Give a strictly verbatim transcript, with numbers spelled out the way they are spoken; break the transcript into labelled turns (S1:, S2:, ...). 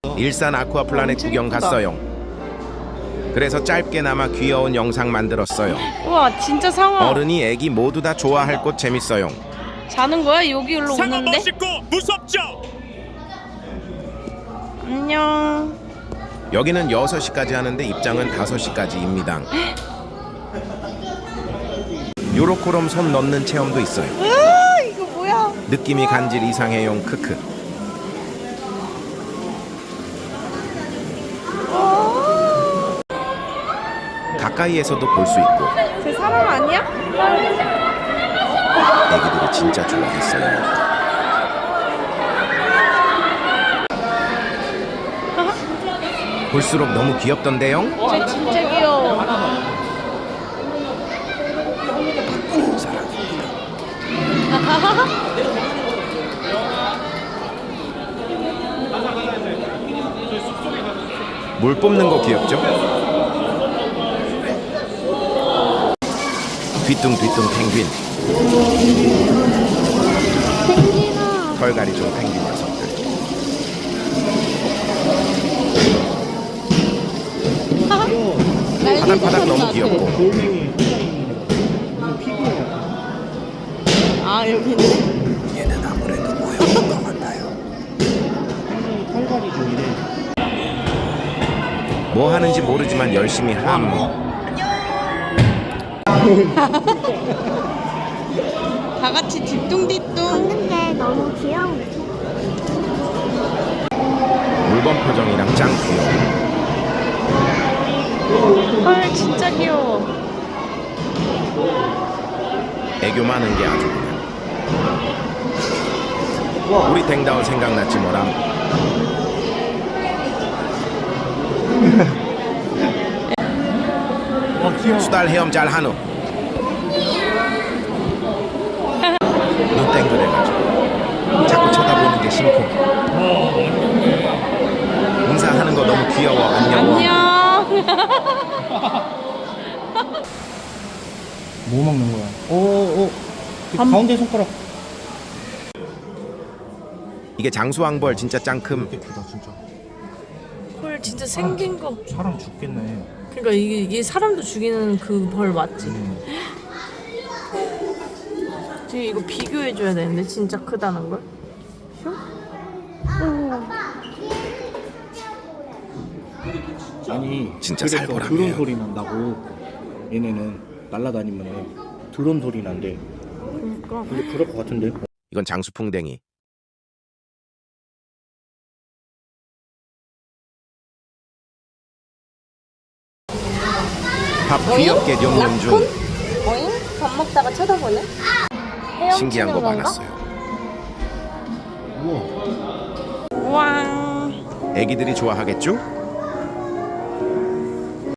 S1: 일산 아쿠아플라넷 구경 갔어요. 그래서 짧게나마 귀여운 영상 만들었어요.
S2: 우와 진짜 상어.
S1: 어른이 애기 모두 다 좋아할 곳 재밌어요.
S2: 자는 거야? 여기로
S3: 상어
S2: 오는데?
S3: 멋있고 무섭죠?
S2: 안녕.
S1: 여기는 여섯 시까지 하는데 입장은 다섯 시까지입니다. 요로코롬 손 넣는 체험도 있어요.
S2: 으아 이거 뭐야?
S1: 느낌이 간질 이상해용 크크. 가까이에서도 볼 수 있고
S2: 쟤 사람 아니야?
S1: 애기들이 진짜 좋아했어요. 볼수록 너무 귀엽던데요?
S2: 쟤 진짜 귀여워.
S1: 물 뽑는 거 귀엽죠? 뒤뚱뒤뚱 펭귄.
S2: 펭귄아.
S1: 털갈이 좀 펭귄 녀석들. 파닥파닥 너무 귀엽고.
S2: 아 여기 있네.
S1: 얘는 아무래도 모형인 것 같아요. 뭐 하는지 모르지만 열심히 함.
S2: 다 같이 뒤뚱뒤뚱.
S4: 근데 너무 귀여워.
S1: 물범 표정이랑 짱 귀여워.
S2: 헐 진짜 귀여워.
S1: 애교 많은 게 아주 그냥. 우리 댕다운 생각났지 뭐람. 수달 헤엄 잘 한우. 눈 땡그래가지고 자꾸 쳐다보는 게 심쿵. 인사하는 거 너무 귀여워. 안녕.
S2: 안녕.
S5: 뭐 먹는 거야? 오, 오. 그 가운데 손가락.
S1: 이게 장수왕벌 진짜 짱큼.
S5: 되게 크다 진짜.
S2: 헐 진짜 생긴 거.
S5: 사람 죽겠네.
S2: 그러니까 이게, 이게 사람도 죽이는 그 벌 맞지?
S5: 음.
S2: 지금 이거 비교해줘야 되는데 진짜 크다는 걸?
S5: 아니
S1: 진짜
S5: 그래서
S1: 살벌하네요.
S5: 드론 소리 난다고. 얘네는 날아다니면 드론 소리 난대.
S2: 그러니까.
S5: 근데 그럴 것 같은데.
S1: 이건 장수풍뎅이. 밥 귀엽게 냠냠 중.
S2: 어잉? 밥 먹다가 쳐다보네?
S1: 신기한 거
S2: 헤엄치는 건가?
S1: 많았어요.
S5: 우와.
S2: 우와.
S1: 애기들이 좋아하겠죠?